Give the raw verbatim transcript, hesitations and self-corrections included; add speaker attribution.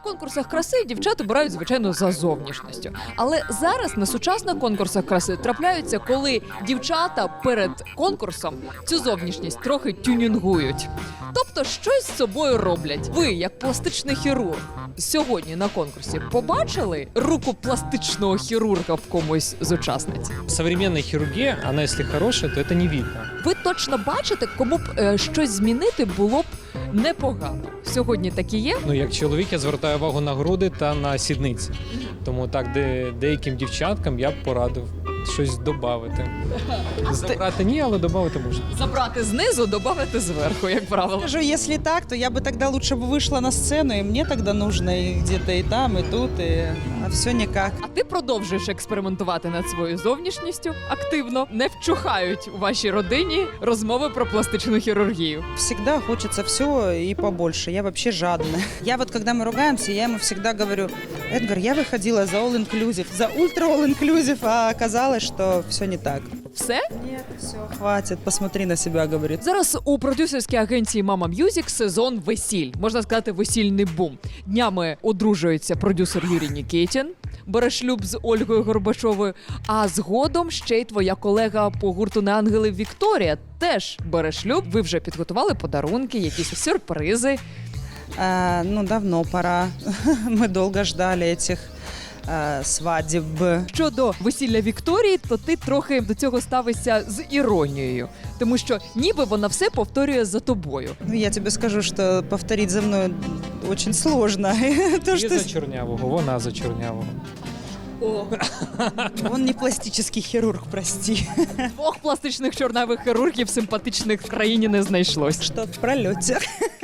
Speaker 1: конкурсах краси дівчат обирають, звичайно, за зовнішністю. Але зараз на сучасних конкурсах краси трапляються, коли дівчата перед конкурсом цю зовнішність трохи тюнінгують. Тобто щось з собою роблять. Ви, як пластичний хірург, сьогодні на конкурсі побачили руку пластичного хірурга в комусь з учасниць?
Speaker 2: Современная хирургия, она если хорошая, то это не видно.
Speaker 1: Ви точно бачите, кому б е, щось змінити було б непогано. Сьогодні такі є?
Speaker 2: Ну, як чоловік, я звертаю увагу на груди та на сідниці. Тому так, де, деяким дівчаткам я б порадив щось додати. Забрати ні, але додати можна.
Speaker 1: Забрати знизу, додати зверху, як правило.
Speaker 3: Скажу, если так, то я бы тогда лучше бы вышла на сцену, и мне тогда нужно и где-то и там, и тут, и... а все никак.
Speaker 1: А ти продовжуєш експериментувати над своєю зовнішністю активно. Не вчухають у вашій родині розмови про пластичну хірургію.
Speaker 3: Всегда хочется все и побольше. Я вообще жадная. Я вот, когда мы ругаемся, я ему всегда говорю: Эдгар, я выходила за all-inclusive, за ультра all-inclusive, а оказалось, что все не так.
Speaker 1: Все?
Speaker 3: Нет, все, хватит, посмотри на себя, говорит.
Speaker 1: Зараз у продюсерській агенції Mama Music сезон весіль. Можна сказати, весільний бум. Днями одружується продюсер Юрій Нікітін, бере шлюб з Ольгою Горбачовою, а згодом ще й твоя колега по гурту «Не ангели» Вікторія теж бере шлюб. Ви вже підготували подарунки, якісь сюрпризи.
Speaker 3: А, ну, давно пора. Мы долго ждали этих а, свадеб.
Speaker 1: Щодо весілля Вікторії, то ти трохи до цього ставишся з іронією, тому що ніби вона все повторює за тобою.
Speaker 3: Ну, я тебе скажу, что повторить за мной очень сложно. То,
Speaker 2: Ти
Speaker 3: что
Speaker 2: за чорнявого, вона за чорнявого.
Speaker 3: он не пластический хирург, прости.
Speaker 1: Двох пластичних чорнавих хірургів симпатичних в країні не знайшлось.
Speaker 3: Что в пролете.